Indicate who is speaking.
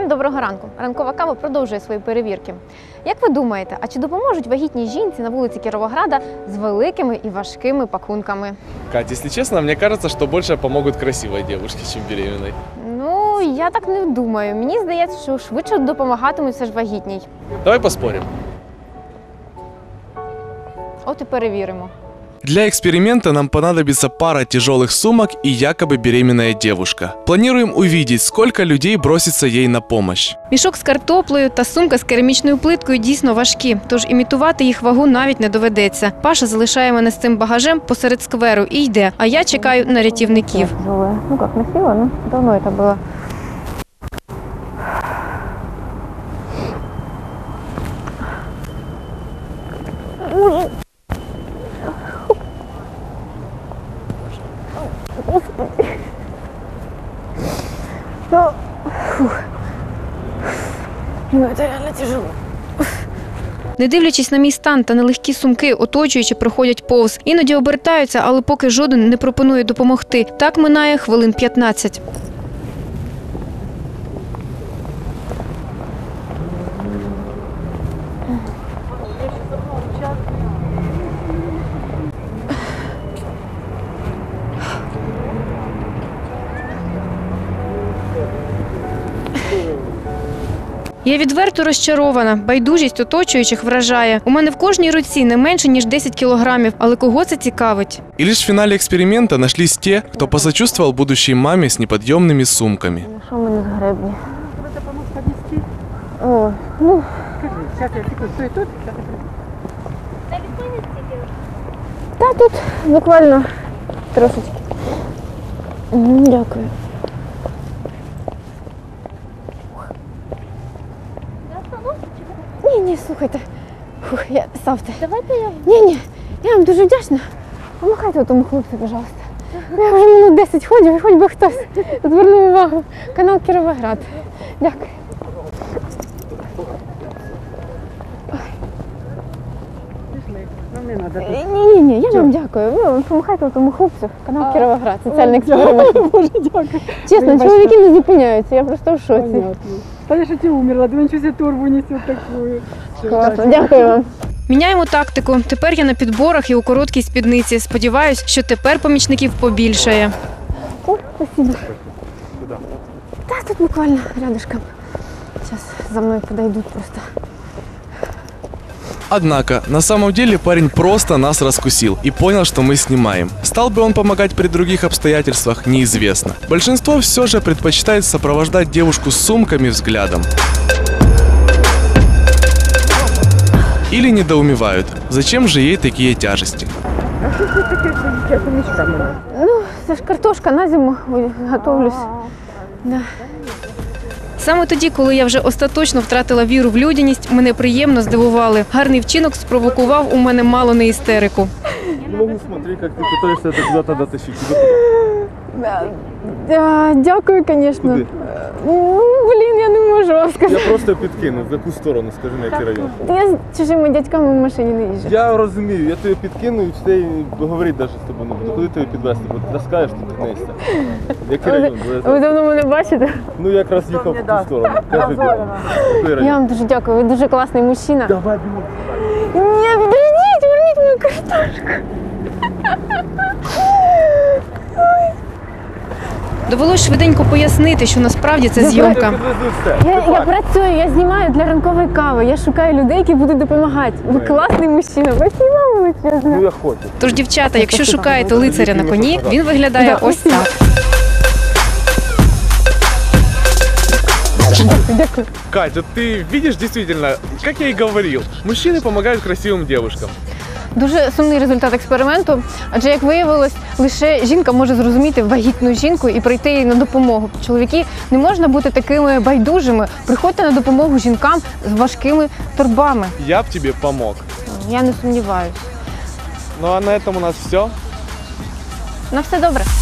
Speaker 1: доброго ранку. Ранкова кава продовжує свої перевірки. Як ви думаєте, а чи допоможуть вагітній жінці на вулиці Кіровограда з великими і важкими пакунками?
Speaker 2: Кать, если честно, мне кажется, что больше помогут красивой девушке, чем беременной.
Speaker 1: Ну, я так не думаю. Мені здається, що швидше допомагатимуть все ж вагітній.
Speaker 2: Давай поспорим.
Speaker 1: От і перевіримо.
Speaker 2: Для эксперимента нам понадобится пара тяжелых сумок и якобы беременная девушка. Планируем увидеть, сколько людей бросится ей на помощь.
Speaker 1: Мішок з картоплею та сумка з керамічною плиткою дійсно важкі, тож імітувати їх вагу навіть не доведеться. Паша залишає мене з цим багажем посеред скверу і йде, а я чекаю на рятівників. Ну як, не сила, ну давно це було. Ну, це реально тяжело. Не дивлячись на мій стан та нелегкі сумки, оточуючи проходять повз. Іноді обертаються, але поки жоден не пропонує допомогти. Так минає хвилин 15. Я відверто розчарована. Байдужість оточуючих вражає. У мене в кожній руці не менше, ніж 10 кілограмів. Але кого це цікавить?
Speaker 2: И лишь в финале эксперимента нашлись те, кто посочувствовал будущей маме с неподъемными сумками.
Speaker 1: Що в мене з гребні?
Speaker 3: Тебе допомог піднести?
Speaker 1: О, ну...
Speaker 3: Скажи, зараз я тільки стой тут,
Speaker 1: Та тут буквально трошечки. Дякую. Ні, слухайте. Ставте. Давайте я. Ні, я вам дуже вдячна. Помахайте тому хлопцю, пожалуйста. Я вже минут 10 ходив, і хоч би хтось звернув увагу. Канал Кіровоград. Дякую.
Speaker 3: нам не треба.
Speaker 1: Ні, я вам дякую. Ви помахайте тому хлопцю. Канал Кіровоград. Соціальний експеримент.
Speaker 3: Боже, дякую.
Speaker 1: Чесно, чоловіки не зупиняються, я просто в шоці.
Speaker 3: Понятно. Та я ж ти умерла, думаю, що я торбу несу таку.
Speaker 1: Класно, дякую вам.
Speaker 4: Міняємо тактику. Тепер я на підборах і у короткій спідниці. Сподіваюсь, що тепер помічників побільшає.
Speaker 1: О, спасибо. Та тут буквально рядышком. Сейчас за мной подойдут просто.
Speaker 2: Однако, на самом деле парень просто нас раскусил и понял, что мы снимаем. Стал бы он помогать при других обстоятельствах, неизвестно. Большинство все же предпочитает сопровождать девушку с сумками взглядом. Или недоумевают, зачем же ей такие тяжести.
Speaker 3: А що це таке, що я помічками?
Speaker 1: Ну, це ж картошка на зиму, готовлюсь. Да.
Speaker 4: Саме тоді, коли я вже остаточно втратила віру в людяність, мене приємно здивували. Гарний вчинок спровокував у мене мало не істерику.
Speaker 2: Не могу смотреть, как ты пытаешься это куда-то дотащить.
Speaker 1: Дякую, звісно.
Speaker 2: Куди?
Speaker 1: Ну, блін, я не можу вам сказати.
Speaker 2: Я просто підкину. В яку сторону, скажи, на який район?
Speaker 1: Я з чужими дядьками в машині не їжджу.
Speaker 2: Я розумію, я тебе підкину і все, говорити навіть з тобою не буду. Куди тебе підвезти? Бо ти таскаєш, ти піднесся. Який район?
Speaker 1: Ви давно мене бачите?
Speaker 2: Ну, якраз їхав в ту сторону. Кажи, який
Speaker 1: Я
Speaker 2: район?
Speaker 1: вам дуже дякую, ви дуже класний мужчина.
Speaker 2: Давай, бігом.
Speaker 1: Ні, підождіть, верніть мою картошку.
Speaker 4: Довелось швиденько пояснити, що насправді це зйомка.
Speaker 1: Я працюю, я знімаю для ранкової кави. Я шукаю людей, які будуть допомагати. Ви класний мужчина, ви знімали величезно.
Speaker 2: Ну, я хочу.
Speaker 4: Тож, дівчата, якщо шукаєте лицаря на коні, він виглядає ось так.
Speaker 1: Дякую.
Speaker 2: Катя, ты видишь, действительно, как я и говорил, мужчины помогают красивым девушкам.
Speaker 1: Дуже сумний результат експерименту, адже, як виявилось, лише жінка може зрозуміти вагітну жінку і прийти їй на допомогу. Чоловіки, не можна бути такими байдужими. Приходьте на допомогу жінкам з важкими торбами.
Speaker 2: Я б тебе помог.
Speaker 1: Я не сумніваюся.
Speaker 2: Ну а на этом у нас все.
Speaker 1: На все добре.